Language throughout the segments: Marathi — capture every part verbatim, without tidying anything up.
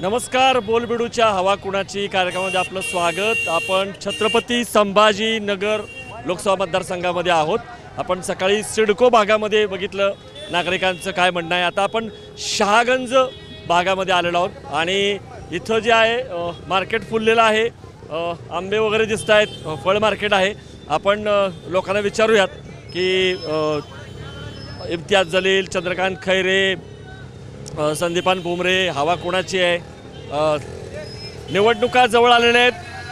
नमस्कार, बोलबिडूच्या हवा कुणाची कार्यक्रमामध्ये आपलं स्वागत। आपण छत्रपती संभाजीनगर लोकसभा मतदारसंघामध्ये आहोत। आपण सकाळी सिडको भागामध्ये बघितलं नागरिकांचं काय म्हणणं आहे। आता आपण शहागंज भागामध्ये आलेलो आहोत आणि इथं जे आहे मार्केट फुललेलं आहे, आंबे वगैरे दिसत आहेत, फळ मार्केट आहे। आपण लोकांना विचारूयात की इम्तियाज जलील, चंद्रकांत खैरे, संदीपान भुमरे, हवा कोणाची आहे। निवडणुका जवळ आलेल्या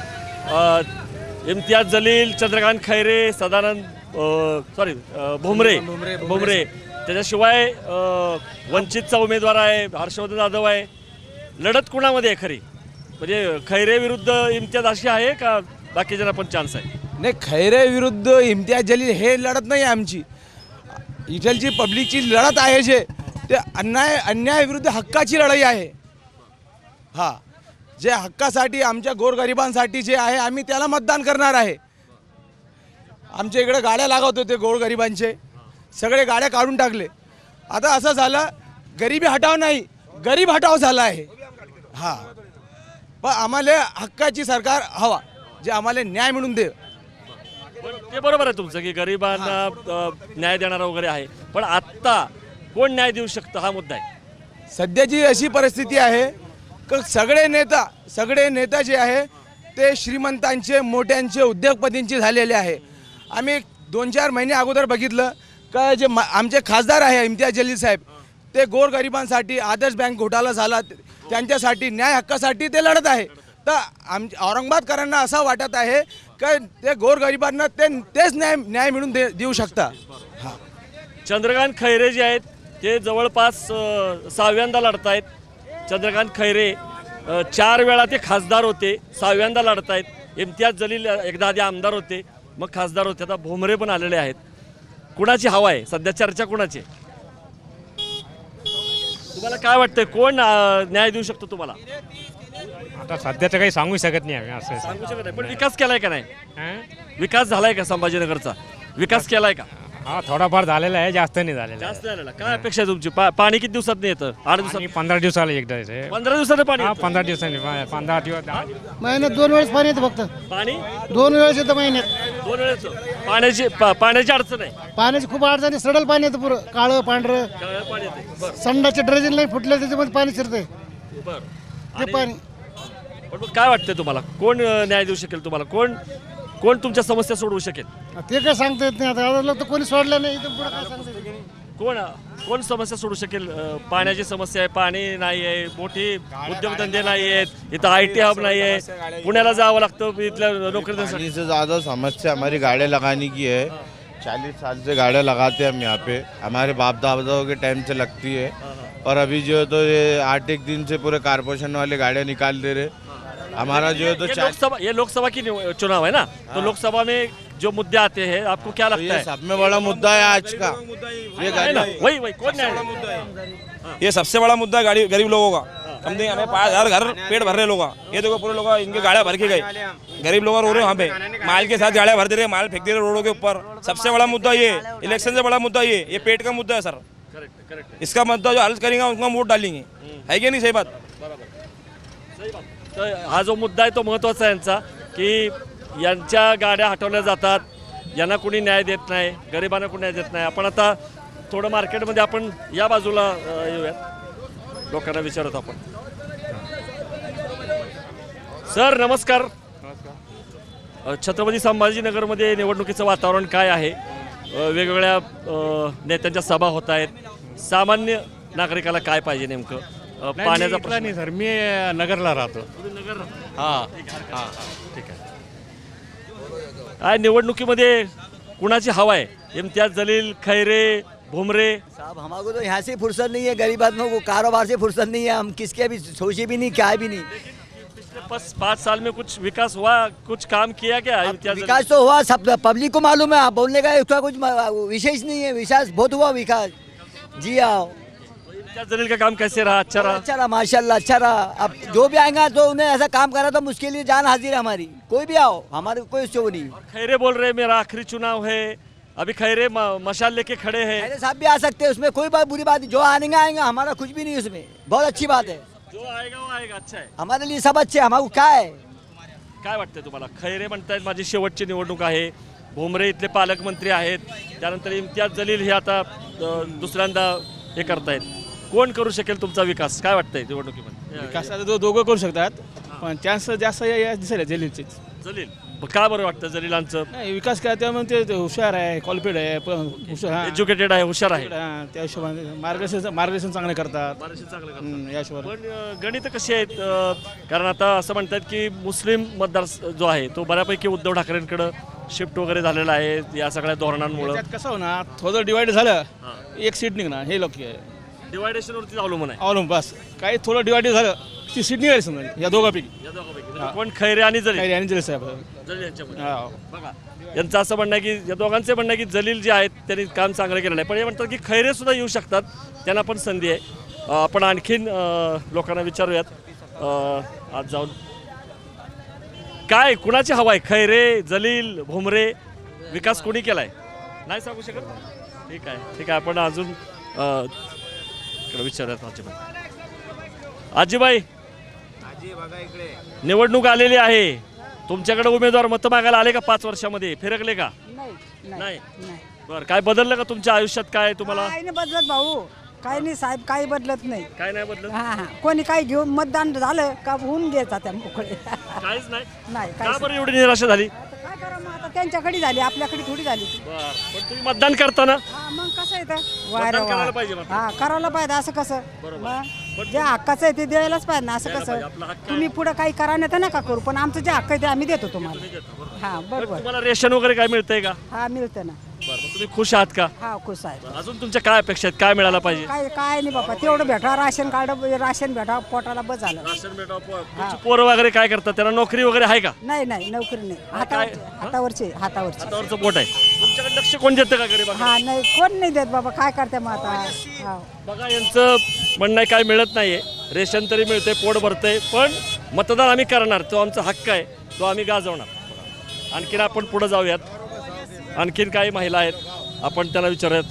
आहेत। इम्तियाज जलील, चंद्रकांत खैरे, सदानंद सॉरी भुमरे भुमरे त्याच्याशिवाय वंचितचा उमेदवार आहे, हर्षवर्धन जाधव आहे। लढत कुणामध्ये आहे खरी? म्हणजे खैरे विरुद्ध इम्तियाज अशी आहे का बाकीच्यांना पण चान्स आहे? नाही, खैरे विरुद्ध इम्तियाज जलील हे लढत नाही आमची। इथलची पब्लिकची लढत आहे जे ते अन्याय अन्याय विरुद्ध हक्काची लढाई आहे। हां, जे हक्कासाठी आमच्या गोरगरिबांसाठी जे आहे आम्ही त्याला मतदान करणार आहे। आमच्या इकडे गाड्या लागत होते गोरगरिबांचे, सगळे गाड्या काढून टाकले। आता असं झालं, गरिबी हटाव नाही, गरीब हटाव झाला आहे। हां, पण आम्हाला हक्काची सरकार हवा, जे आम्हाला न्याय मिळून दे। ते बरोबर आहे तुमचं की गरिबांना न्याय देणारा वगैरे आहे, पण आत्ता कोण न्याय देऊ शकतं हा मुद्दा आहे। सध्याची अशी परिस्थिती आहे की सगळे नेता सगळे नेता जे आहे ते श्रीमंतांचे, मोठ्यांचे, उद्योगपतींचे झालेले आहे। आम्ही दोन चार महिने अगोदर बघितलं का जे आमचे खासदार आहे इम्तियाज जलील साहेब, ते गोरगरिबांसाठी, आदर्श बँक घोटाळा झाला त्यांच्यासाठी, न्याय हक्कासाठी ते लढत आहे। तर आम औरंगाबादकरांना असं वाटत आहे की ते गोरगरिबांना ते तेच न्याय न्याय मिळून दे देऊ शकता। हां, चंद्रकांत खैरे जे आहेत ते जवळपास सहाव्यांदा लढत आहेत। चंद्रकांत खैरे चार वेळा ते खासदार होते, सहाव्यांदा लढत आहेत। इम्तियाज जलील एकदा आधी आमदार होते, मग खासदार होते, आता भुमरे पण आलेले आहेत। कुणाची हवा आहे सध्या? चर्चा कुणाची? तुम्हाला काय वाटतंय, कोण न्याय देऊ शकतो तुम्हाला? आता सध्याचं काही सांगू शकत नाही आम्ही, असं सांगू शकत नाही, पण विकास केलाय का नाही? विकास झालाय का संभाजीनगरचा? विकास केलाय का? हा, थोडाफार झालेला आहे, जास्त नाही झालेला जास्त झालेला। काय अपेक्षा आहे तुमची? पाणी किती दिवसात नाही येतं? आठ दिवसात? आणि पंधरा दिवसाला एकदा येते। पंधरा दिवसात पाणी हा, येतं? पंधरा दिवसांनी पंधरा दिवस दहा दिवस. महिन्यात दोन वेळेस पाणी येतं फक्त, पाणी दोन वेळेस येतं महिन्यात। दोन वेळेस पाण्याची पा- पाण्याची अडचण आहे। पाण्याची खूप अडचण आहे, सडल पाणी येतं पुरं, काळं पांढरं, काळं पाणी येते, बरं संडाचे ड्रेजिंग लाईन फुटले त्याच्यामध्ये पाणी शिरतंय बरं। ते आणि- पाणी। पण मग काय वाटतंय तुम्हाला, कोण अं, न्याय देऊ शकेल तुम्हाला? कोण कोण तुमच्या समस्या सोडवू शकेल? ते काय सांगता येत नाही, आता आता लोक तर कोणी सोडलं नाही, इथून पुढे काय सांगता येत नाही। कोण कोण समस्या सोडू शकेल? अं, पाण्याची समस्या आहे, पाणी नाही आहे, मोठी उद्योगधंदे नाही आहेत, इथं आय टी हब नाही आहे, पुण्याला जावं लागतं इथल्या नोकरीसाठी। पानी से ज़्यादा समस्या हमारी गाड़ियाँ लगाने की है। चालीस साल से गाड़ियाँ लगाते हैं हम यहाँ पे, हमारे बाप दादाओं के टाइम से लगती है। और अभी जो है तो ये आठ एक दिन से पूरे कारपोरेशन वाले गाड़ियाँ निकाल दे रहे। हमारा जो है तो ये चार लोकसभा ये लोकसभा की निव- चुनाव है ना, तो लोकसभा में जो मुद्दे आते हैं आपको क्या तो लगता ये है? सब में बड़ा मुद्दा है आज का। ये है ना, गाड़ी वही वही कौन न्याय? ये सबसे बड़ा मुद्दा है गरीब लोगों का। कम से हमें पाँच हजार घर पेट भर रहे लोग, ये देखो पूरे लोग इनके गाड़ियाँ भर के गए, गरीब लोग रो रहे वहाँ पे, माल के साथ गाड़ियाँ भर दे रहे, माल फेंक दे रहे रोडों के ऊपर। सबसे बड़ा मुद्दा ये, इलेक्शन से बड़ा मुद्दा ये ये पेट का मुद्दा है सर। करेक्ट करेक्ट इसका मुद्दा जो हल करेंगे उनका वोट डालेंगे, है कि नहीं? सही बात। सही बात। तर हा जो मुद्दा आहे तो महत्त्वाचा आहे यांचा, की यांच्या गाड्या हटवल्या जातात, यांना कोणी न्याय देत नाही, गरिबांना कोणी न्याय देत नाही। आपण आता थोडं मार्केटमध्ये आपण या बाजूला अ, येऊयात, लोकांना विचारत आपण। सर नमस्कार। अ, छत्रपती संभाजीनगरमध्ये निवडणुकीचं वातावरण काय आहे? अ, वेगवेगळ्या अ, नेत्यांच्या सभा होत आहेत। सामान्य नागरिकाला काय पाहिजे नेमकं? अ, पाण्याचा प्रश्न नाही सर, मी नगरला राहतो। नगर हा हा ठीक आहे। काय निवडणुकीमध्ये कुणाची हवा आहे? इम्तियाज जलील, खैरे, भुमरे? साहब हमारे को तो यहाँ से फुर्सत नहीं है, गरीब आदमियों को कारोबार से फुर्सत नहीं है, हम किसके भी सोचे भी नहीं, क्या भी नहीं। पिछले बस पाँच साल में कुछ विकास हुआ, कुछ काम किया क्या इम्तियाज जलील? विकास तो हुआ, सब पब्लिक को मालूम है, आप बोलने का उसका कुछ विशेष नहीं है। विकास बहुत हुआ विकास। जी आओ, इम्तियाज जलील का काम कैसे रहा? अच्छा रहा? अच्छा रहा, माशाल्लाह अच्छा रहा। अब जो भी आएगा तो उन्हें ऐसा काम करा तो मुश्किल ही जान हाजिर है हमारी। कोई भी आओ, हमारे कोई शो नहीं। खैरे बोल रहे मेरा आखिरी चुनाव है, अभी खैरे म- मशाल लेके खड़े हैं। खैरे साहब भी आ सकते हैं, उसमें कोई बात बुरी बात नहीं। जो आएंगे आएंगे, हमारा कुछ भी नहीं उसमें, बहुत अच्छी बात है। जो आएगा वो आएगा. अच्छा आहे. हमारे लिए सब अच्छे, हमारे को क्या है. काय वाटतंय तुम्हाला? खैरे म्हणतायत माझी शेवटची निवडणूक आहे, भुमरे इथले पालकमंत्री आहेत, त्यानंतर इम्तियाज जलील हे आता अ, दुसऱ्यांदा हे करतायत. कोण करू शकेल तुमचा विकास? काय वाटतंय निवडणुकीमध्ये? विकास आता दो- दोघं करू शकतात, पण चान्स जास्त या- या दिसायला जलीलचेच. जलील का बरं वाटतं जलीलांचं? नाही, विकास काय त्यामुळे ते- ते हुशार आहे, क्वालिफाईड आहे, पण हुशार हा. एज्युकेटेड आहे, हुशार आहे. हा, त्या हिशोबाने मार्गदर्शन मार्गदर्शन चांगले करतात. बरेचसे चांगलं करतात. हम्म, या हिशोबाने पण अ, गणित कशी आहेत? अ, कारण आता असं म्हणतात की मुस्लिम मतदार स- जो आहे तो बऱ्यापैकी उद्धव ठाकरेंकडं शिफ्ट वगैरे झालेला आहे या सगळ्या धोरणांमुळे. त्यात कसं होणार, थोडं डिवाइड झालं एक सीट निघणार, हे लोक डिवायडेशनवरती अवलंबून आहे अवलंबून बस. काही थोडं डिवाइड झालं ती सीट निघाली समजा या दोघांपैकी. या दोघांपैकी. म्हणजे कोण खैरे आणि जलील? काही आणि जलील साहेब. जलील यांच्यामध्ये. हा. बघा यांचं असं म्हणणं आहे की या दोघांचे म्हणणं आहे की जलील जे आहेत त्यांनी काम चांगलं केलेलं आहे, पण हे म्हणतात की खैरे सुद्धा येऊ शकतात, त्यांना पण संधी आहे. अ, आपण आणखीन अ, लोकांना विचारूयात अ, आज जाऊन काय कुणाची हवा आहे? खैरे, जलील, भुमरे? विकास कोणी केलाय नाही सांगू शकत. ठीक आहे ठीक आहे आपण अजून अ, इकडे विचारूयात आजीबाई. आजीबाई निवडणूक आलेली आहे, तुमच्याकडे उमेदवार मतं मागायला आले का? पाच वर्षामध्ये फिरकले का? नाही नाही. नाही बरं काय बदललं का तुमच्या आयुष्यात? काय तुम्हाला काही नाही बदलत भाऊ, काही नाही साहेब, काही बदलत नाही. काय नाही बदलत? हा हा कोणी काही घेऊन मतदान झालं का होऊन घ्यायचा त्या मोकळे. काहीच नाही. नाही का काय बरं एवढी निराशा झाली? काय करा मग आता, त्यांच्याकडे झाली आपल्याकडे थोडी झाली. बरं पण तुम्ही मतदान करताना हा मग कसं आहे तर मतदान करायला पाहिजे मग. हा करायला पाहिजे असं कसं. बरोबर. मग जे हक्काचं आहे ते द्यायलाच पाहिजे ना, असं द्यायला पाहिजे, कसं. आपला हक्क आहे. तुम्ही पुढे काही करा नाही तर नका करू, पण आमचं जे हक्क आहे ते आम्ही देतो तुम्हाला. हा पण बरोबर. तुम्हाला रेशन वगैरे काय मिळतंय का? हा मिळतं ना. बरं मग तुम्ही खुश आहात का? हा खुश आहे. अजून तुमच्या काय अपेक्षा आहेत? काय मिळायला पाहिजे? काय काय नाही बाबा, तेवढं भेटा, राशन कार्ड राशन भेटा, पोटाला बस झालं. राशन भेटावं. पो- तुमची पोरं वगैरे काय करतात? त्यांना नोकरी वगैरे आहे का? नाही नाही नोकरी नाही, हातावरचे हातावरचे हातावरचे. हातावरचं पोट आहे. तुमच्याकडे लक्ष कोण देतं का गरीब? हा नाही कोण नाही देत बाबा, काय करते मग आता. हा बघा यांचं म्हणणं आहे काय मिळत नाहीये, रेशन तरी मिळतंय, पोट भरतंय, पण मतदान आम्ही करणार, तो आमचा हक्क आहे, तो आम्ही गाजवणार. आणखीन आपण पुढे जाऊयात. आणखीन काही महिला आहेत, आपण त्यांना विचारूयात.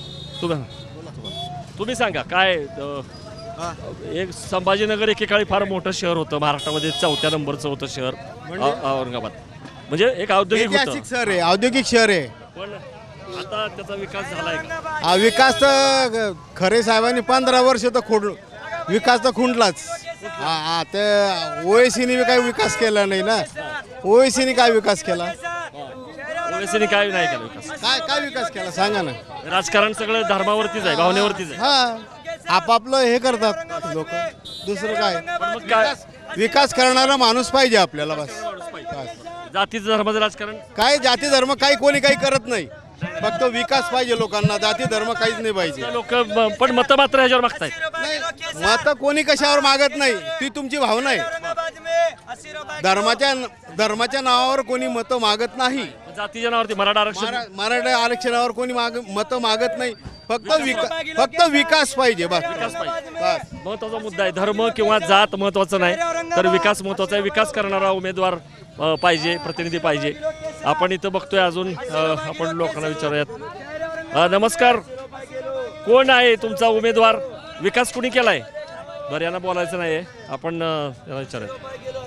तुम्ही तुम्ही सांगा काय अ, एक संभाजीनगर एकेकाळी फार मोठं शहर होतं महाराष्ट्रामध्ये, चौथ्या नंबरचं होतं शहर औ- औरंगाबाद. म्हणजे एक औद्योगिक होतं, ऐतिहासिक शहर आहे, औद्योगिक शहर आहे. पण आता त्याचा विकास झालाय का? हा विकास तर खरे साहेबांनी पंधरा वर्ष तर खोड विकास तर खुंटलाच. हा हा ते ओएसीने बी काही विकास केला नाही ना. ओएसीने काय विकास केला? ओवेसीने काय नाही केला विकास? काय काय विकास केला सांगा ना. राजकारण सगळं धर्मावरतीच आहे, भावनेवरतीच आहे. हा आपापलं हे करतात लोक, दुसरं काय. पण मग काय विकास करणारा माणूस पाहिजे आपल्याला बस. जातीचं धर्माचं राजकारण? काय जाती धर्म काही कोणी काही करत नाही, फक्त विकास पाहिजे लोकांना. जाती धर्म काहीच नाही पाहिजे. लोक पण मतं मात्र ह्याच्यावर मागतायत. नाही मत कोणी कशावर मागत नाही, ती तुमची भावना आहे. धर्माच्या धर्माच्या नावावर कोणी मतं मागत नाही. जातीच्या नावावरती मराठा आरक्षण मरा- मराठा आरक्षणावर कोणी माग मतं मागत नाही. फक्त विकास फक्त विकास पाहिजे बस. विकास पाहिजे. बस. महत्वाचा मुद्दा आहे. धर्म किंवा जात महत्वाचं नाही, तर विकास महत्वाचा आहे. विकास करणारा उमेदवार अ, पाहिजे, प्रतिनिधी पाहिजे. आपण इथं बघतोय अजून अ, आपण लोकांना विचारूयात. अ, नमस्कार, कोण आहे तुमचा उमेदवार? विकास कुणी केलाय? बरं यांना बोलायचं नाही आहे, आपण अ, याला विचारूयात.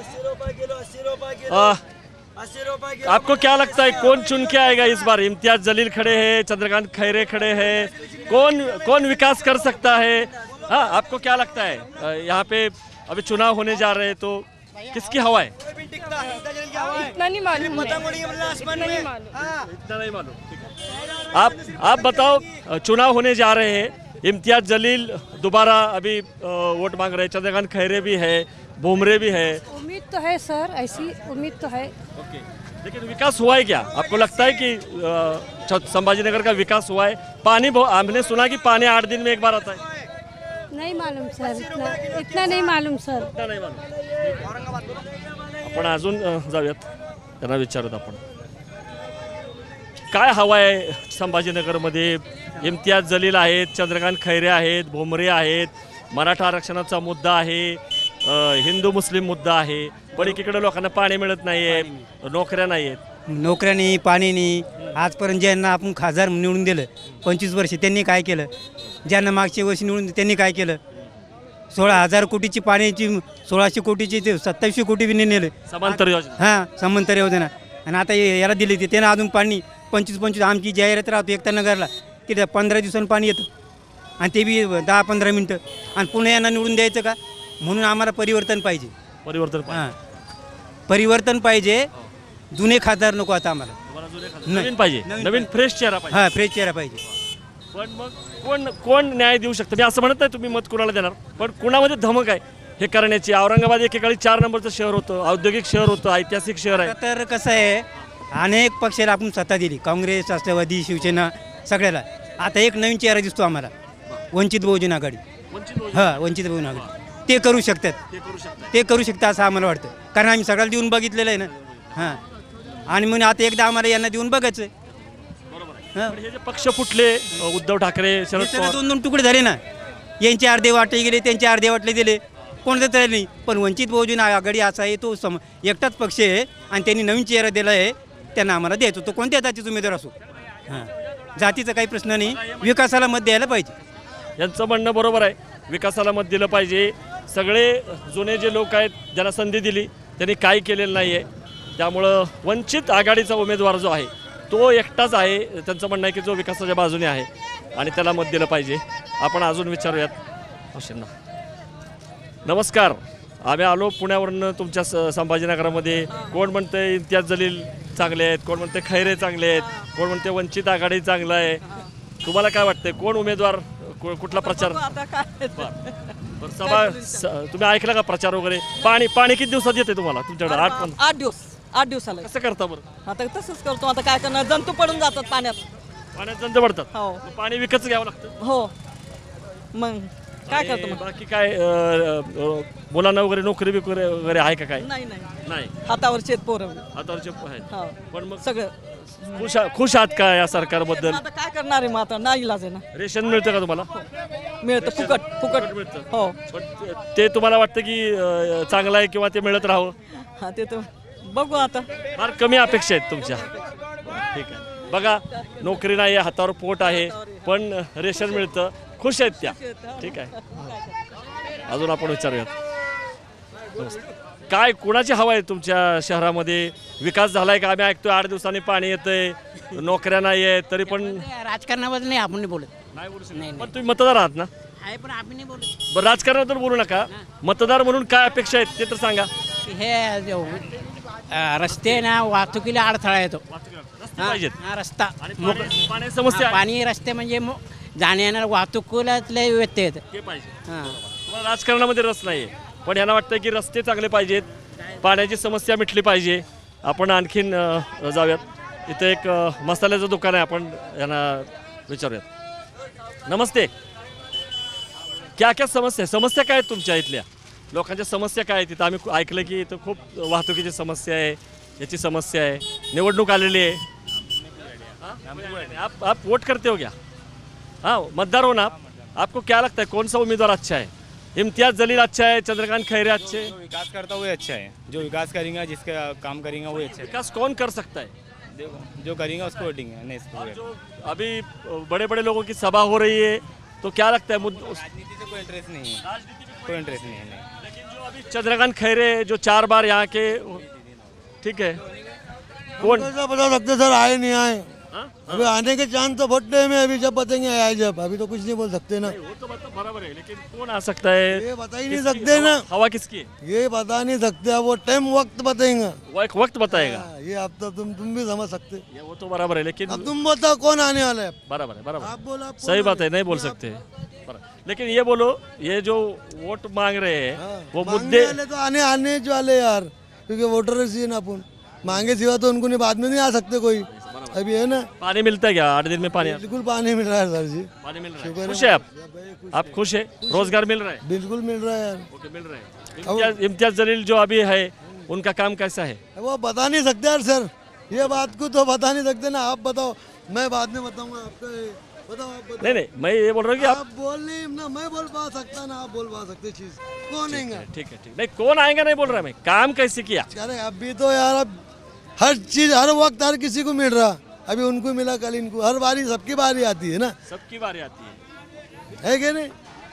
अ, आपको क्या लगता है कौन चुन के आएगा इस बार? इम्तियाज जलील खड़े हैं, चंद्रकांत खैरे खड़े हैं, कौन कौन विकास कर सकता है? हाँ आपको क्या लगता है अ, यहाँ पे अभी चुनाव होने जा रहे हैं तो किसकी हवा है? इतना नहीं मालूम है। इतना नहीं मालूम। इतना नहीं मालूम, ठीक है। आप आप बताओ, अ, चुनाव होने जा रहे हैं, इम्तियाज जलील दोबारा अभी अ, वोट मांग रहे हैं, चंद्रकांत खैरे भी है, भुमरे भी है। उम्मीद तो है सर, ऐसी उम्मीद तो है। ओके, लेकिन विकास हुआ है क्या? आपको लगता है कि अ, छ- संभाजीनगर का विकास हुआ है? पानी बहु- हमने सुना कि पानी आठ दिन में एक बार आता है. नहीं मालूम सर, इतना इतना नहीं मालूम सर। इतना नाही मालूम. आपण अजून अ, जाऊयात, त्यांना विचारूयात आपण काय हवं आहे संभाजीनगरमध्ये. इम्तियाज जलील आहेत, चंद्रकांत खैरे आहेत, भुमरे आहेत, मराठा आरक्षणाचा मुद्दा आहे, अ, हिंदू मुस्लिम मुद्दा आहे, पण एकीकडे लोकांना पाणी मिळत नाहीये, नोकऱ्या नाही आहेत. नोकऱ्यानी पाणीनी आजपर्यंत ज्यांना आपण खासदार निवडून दिलं पंचवीस वर्ष, त्यांनी काय केलं? ज्यांना मागच्या वर्षी निवडून त्यांनी काय केलं? सोळा हजार कोटीची पाण्याची सोळाशे कोटीची ते सत्तावीसशे कोटी बी नाही नेले समांतर योजना हां समांतर योजना आणि आता हे- याला दिली ती त्यानं अजून पाणी पंचवीस पंचवीस आमची जाहिरात राहतो एकता नगरला की त्या पंधरा दिवसांनी पाणी येतं आणि ते बी दहा पंधरा मिनटं आणि पुन्हा यांना निवडून द्यायचं का म्हणून आम्हाला परिवर्तन पाहिजे परिवर्तन हां परिवर्तन पाहिजे जुने खासदार नको आता आम्हाला तुम्हाला जुने खासदार- नाही. नवीन पाहिजे नवीन नवीन फ्रेश चेहरा पाहिजे हां फ्रेश चेहरा पाहिजे पण मग कोण कोण न्याय देऊ शकतं मी असं म्हणत नाही तुम्ही मत कुणाला देणार पण कुणामध्ये धमक आहे हे करण्याची औरंगाबाद एकेकाळी चार नंबरचं शहर होतं औद्योगिक शहर होतं ऐतिहासिक शहर आहे तर कसं आहे अनेक पक्षाला आपण सत्ता दिली काँग्रेस राष्ट्रवादी शिवसेना सगळ्याला आता एक नवीन चेहरा दिसतो आम्हाला वंचित बहुजन आघाडी वंचित बहुजन हां वंचित बहुजन आघाडी ते करू शकतात ते करू शकतात ते करू शकतात असं आम्हाला वाटतं कारण आम्ही सगळ्याला देऊन बघितलेलं आहे ना हां आणि म्हणून आता एकदा आम्हाला यांना देऊन बघायचं आहे हां पण हे जे पक्ष फुटले उद्धव ठाकरे शरद हे सगळे पवार दोन दोन तुकडे झाले ना यांचे अर्धे वाटे गेले त्यांचे अर्धे वाटले दिले कोणतं तरी नाही पण वंचित बहुजन आघाडी असा आहे तो सम एकटाच पक्ष आहे आणि त्यांनी नवीन चेहरा दिला आहे त्यांना आम्हाला द्यायचो तो कोणत्या जातीचा उमेदवार असो हां जातीचा काही प्रश्न नाही विकासाला मत द्यायला पाहिजे यांचं म्हणणं बरोबर आहे विकासाला मत दिलं पाहिजे सगळे जुने जे लोक आहेत ज्यांना संधी दिली त्यांनी काही केलेलं नाही आहे त्यामुळं वंचित आघाडीचा उमेदवार जो आहे तो एकटाच आहे त्यांचं म्हणणं आहे की जो विकासाच्या बाजूने आहे आणि त्याला मत दिलं पाहिजे आपण अजून विचारूयात अवश्यांना नमस्कार आम्ही आलो पुण्यावरून तुमच्या स संभाजीनगरामध्ये कोण म्हणते इम्तियाज जलील चांगले आहेत कोण म्हणते खैरे चांगले आहेत कोण म्हणते वंचित आघाडी चांगलं आहे तुम्हाला काय वाटतंय कोण उमेदवार कु- कुठला प्रचार बरं, सभा स- तुम्ही ऐकला का प्रचार वगैरे पाणी पाणी किती दिवसात येते तुम्हाला तुमच्याकडे आठ पण आठ दिवस आठ दिवसाला कसं करता बरं आता तसंच करतो आता काय करणार जंतू पडून जातात पाण्यात पाण्यात जंत पडतात हो मग पाणी विकतच घ्यावं लागतं हो मग काय करतो आणि मग बाकी काय अं, अं, मुलांना वगैरे नोकरी बिकरी वगैरे आहे का काय नाही नाही नाही हातावर शेत पोरं आतावरचे आहेत हो पण मग सगळं खुश आ- खुश आहात का या सरकारबद्दल आता काय करणार आहे मग आता नाही इलाज आहे ना रेशन मिळतं का तुम्हाला मिळतं फुकट फुकट मिळतं हो पण ते- ते तुम्हाला वाटतं की अं, चांगलं आहे किंवा ते मिळत राहावं हा ते तर बघू आता फार कमी अपेक्षा आहेत तुमच्या ठीक आहे बघा नोकरी नाही आहे हातावर पोट आहे पण रेशन मिळतं खुश आहेत त्या ठीक आहे अजून आपण विचारूयात नमस्ते. काय कुणाची हवा आहे तुमच्या शहरामध्ये विकास झालाय का आम्ही ऐकतोय आठ दिवसांनी पाणी येतंय नोकऱ्या नाही आहेत तरी पण राजकारणाबद्दल नाही आपण नाही बोलत नाही बोलू शकत. पण तुम्ही मतदार आहात ना आहे पण आपण नाही बोलत बरं राजकारणाबद्दल बोलू नका मतदार म्हणून काय अपेक्षा आहेत ते तर सांगा हे जो, अं, रस्ते ना वाहतुकीला अडथळा येतो रस्ते पाहिजेत हा रस्ता आणि पाणी- पाण्याची समस्या आहे. पाणी रस्ते म्हणजे मो- जाण्या येणार वाहतुकीला व्यत्यय येतं ते पाहिजे हां तुम्हाला राजकारणामध्ये रस नाही पण यांना वाटतं की रस्ते चांगले पाहिजेत पाण्याची समस्या मिटली पाहिजे आपण आणखीन अ, जाऊयात इथं एक अ, मसाल्याचं दुकान आहे आपण यांना विचारूयात नमस्ते क्या क्या समस्या आहे? समस्या काय आहेत तुमच्या इथल्या लोकांच्या समस्या काय आहेत तिथं आम्ही खू- ऐकलं की इथं खूप वाहतुकीची समस्या आहे याची समस्या आहे निवडणूक आलेली आहे हाँ? आप आप वोट करते हो क्या हाँ मतदार हो ना आप आपको क्या लगता है कौन सा उम्मीदवार अच्छा है इम्तियाज जलील अच्छा है चंद्रकांत खैरे अच्छे हैं? जो विकास करता हुआ अच्छा है जो विकास करेंगे जिसका काम करेंगे वो अच्छा है विकास कौन कर सकता है देखो जो करेंगे उसको वोटिंग नहीं इसको वोट। जो अभी बड़े बड़े लोगों की सभा हो रही है तो क्या लगता है मुद्द उस- राजनीति से कोई इंटरेस्ट नहीं है कोई इंटरेस्ट नहीं है नहीं लेकिन जो अभी चंद्रकांत खैरे जो चार बार यहाँ के ठीक है कौन कैसा बता सकते सर आए नहीं आए हाँ? अभी आने के चांस तो बहुत टाइम है अभी जब बताएंगे आए जब अभी तो कुछ नहीं बोल सकते ना वो तो मतलब बराबर है लेकिन कौन आ सकता है ये बता ही नहीं किसकी सकते ना हवा- हवा किसकी है ये बता नहीं सकते अब वो टाइम वक्त बताएंगे वो एक वक्त बताएगा हाँ, ये अब तो तुम तुम भी समझ सकते ये वो तो बराबर है लेकिन अब तुम बताओ कौन आने वाला है बराबर है बराबर आप बोलो आप सही बात है नहीं बोल सकते बराबर। लेकिन ये बोलो ये जो वोट मांग रहे हैं वो मांगने मुद्दे वाले तो आने आने जो वाले यार क्योंकि वोटर ही ना अपन मांगे सिवा तो उनको नहीं बाद में नहीं आ सकते कोई अभी है ना पानी मिलता है क्या आठ दिन में पानी बिल्कुल पानी मिल रहा है सर जी पानी मिल रहा शुक्र है है। खुश है आप आप खुश है रोजगार मिल रहा है बिल्कुल मिल रहा है यार ओके मिल रहा है इम्तियाज इम्तियाज जलील जो अभी है उनका काम कैसा है वो बता नहीं सकते यार सर ये बात को तो बता नहीं सकते ना आप बताओ मैं बाद में बताऊंगा आपका ये। बताओ आप बताओ नहीं नहीं मैं ये बोल रहा हूँ कि आप आप बोल नहीं ना मैं बोल पा सकता ना आप बोल पा सकते चीज कौन आएगा ठीक है ठीक नहीं कौन आएगा नहीं बोल रहा मैं काम कैसे किया अरे अभी तो यार अब हर चीज हर वक्त हर किसी को मिल रहा अभी उनको मिला कल इनको हर बारी सबकी बारी आती है ना सबकी बारी आती है है कि नहीं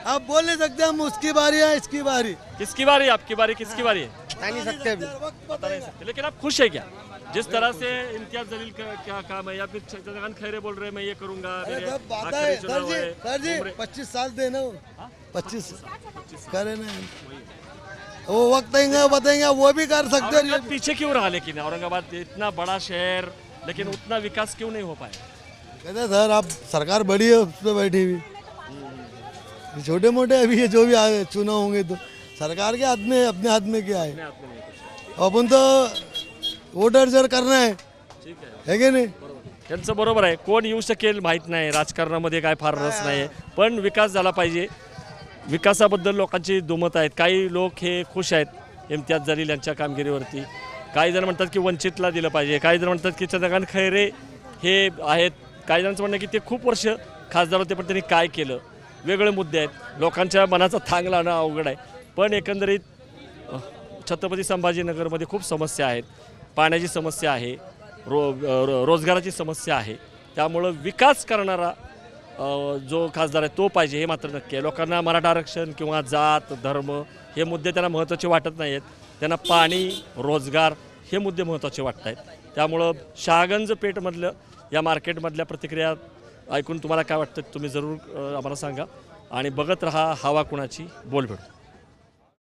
आप बोल नहीं सकते हम उसकी बारी है इसकी बारी किसकी बारी है? आपकी बारी किसकी बारी है? बता नहीं सकते अभी बता नहीं सकते, लेकिन आप खुश है क्या जिस तरह से इम्तियाज जलील का क्या काम है, या फिर चंद्रकांत खैरे बोल रहे हैं मैं ये करूंगा, मेरे आखिरी चुनाव है, उम्र- पच्चीस साल देना पच्चीस करे ना वो वक्त आएंगे बताएंगे वो भी कर सकते हैं औरंगाबाद पीछे क्यों रहा? लेकिन औरंगाबाद इतना बड़ा शहर, लेकिन उतना विकास क्यों नहीं हो पाया? कहते सर आप सरकार बड़ी है उस पर बैठी हुई, छोटे मोटे अभी ये जो भी आए चुनाव होंगे तो सरकार के हाथ में अपने हाथ में क्या है, अपन तो वोटर जर करना है ठीक आहे, है की नाही. त्यांचं बरोबर आहे. कोण येऊ शकेल माहीत नाही, राजकारणामध्ये काय फार रस नाही, पण विकास झाला पाहिजे. विकासाबद्दल लोकांची दुमत आहेत. काही लोक हे खुश आहेत इम्तियाज जलील यांच्या कामगिरीवरती. काही जण म्हणतात की वंचितला दिलं पाहिजे, काही जण म्हणतात की चंद्रकांत खैरे हे आहेत. काही जणांचं म्हणणं की ते खूप वर्ष खासदार होते पण त्यांनी काय केलं, वेगळे मुद्दे आहेत. लोकांच्या मनाचा थांग लावणं अवघड आहे. पण एकंदरीत अ, छत्रपती संभाजीनगरमध्ये खूप समस्या आहेत. पाण्याची समस्या आहे, रो रो- रोजगाराची समस्या आहे. त्यामुळं विकास करणारा अ, जो खासदार आहे तो पाहिजे हे मात्र नक्की आहे. लोकांना मराठा आरक्षण किंवा जात धर्म हे मुद्दे त्यांना महत्त्वाचे वाटत नाही आहेत. त्यांना पाणी रोजगार हे मुद्दे महत्त्वाचे वाटत आहेत. त्यामुळं शहागंज पेठमधलं या मार्केटमधल्या प्रतिक्रिया ऐकून तुम्हाला काय वाटतं तुम्ही जरूर अ, आम्हाला सांगा. आणि बघत रहा हवा कुणाची बोल भेटू.